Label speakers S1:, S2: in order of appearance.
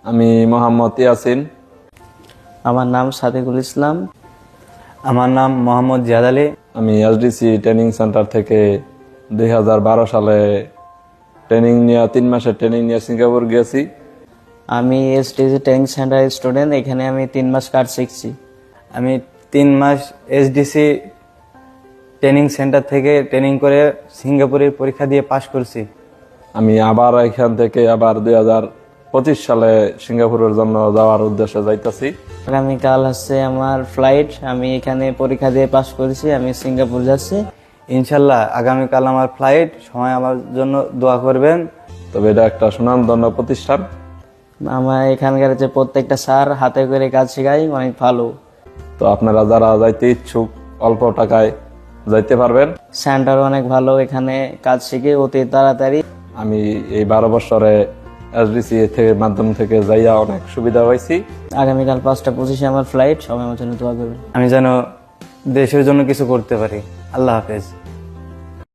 S1: আমি মোহাম্মদ ইয়াসিন।
S2: আমার নাম সাদিকুল ইসলাম।
S3: আমার নাম মোহাম্মদ জিয়াদ আলী।
S1: আমি এসডিসি ট্রেনিং সেন্টার থেকে 2012 সালে ট্রেনিং নিয়ে 3 মাসের ট্রেনিং নিয়ে সিঙ্গাপুর গেছি।
S2: আমি এসটিজি ট্রেনিং সেন্টার স্টুডেন্ট। এখানে আমি 3 মাস কাজ শিখছি।
S3: আমি 3 মাস এসডিসি ট্রেনিং সেন্টার থেকে ট্রেনিং করে সিঙ্গাপুরের পরীক্ষা দিয়ে পাশ করছি।
S1: আমি আবার এখান থেকে 2025 সালে সিঙ্গাপুরের জন্য যাওয়ার উদ্দেশ্যে যাইতাছি।
S2: আগামীকাল হচ্ছে আমার ফ্লাইট। আমি এখানে পরীক্ষা দিয়ে পাশ করেছি। আমি সিঙ্গাপুর যাচ্ছি।
S3: ইনশাল্লাহ আগামীকাল আমার ফ্লাইট, সময় আমার জন্য দোয়া করবেন।
S1: তবে এটা একটা সুনামধন্য প্রতিষ্ঠান।
S2: আমার এখানকার যে প্রত্যেকটা স্যার হাতে করে কাজ শেখায়, অনেক ভালো।
S1: তো আপনারা যারা যাইতে ইচ্ছুক অল্প টাকায় যাইতে পারবেন।
S2: সেন্টার অনেক ভালো, এখানে কাজ শিখে অতি তাড়াতাড়ি।
S1: আমি এই 12 বছরে এসডিসি থেকে মাধ্যম থেকে যাইয়া অনেক সুবিধা হয়েছি।
S2: আগামীকাল 5টা 25-এ আমার ফ্লাইট। সবাই আমার জন্য দোয়া করবেন।
S3: আমি যেন দেশের জন্য কিছু করতে পারি। আল্লাহ হাফেজ।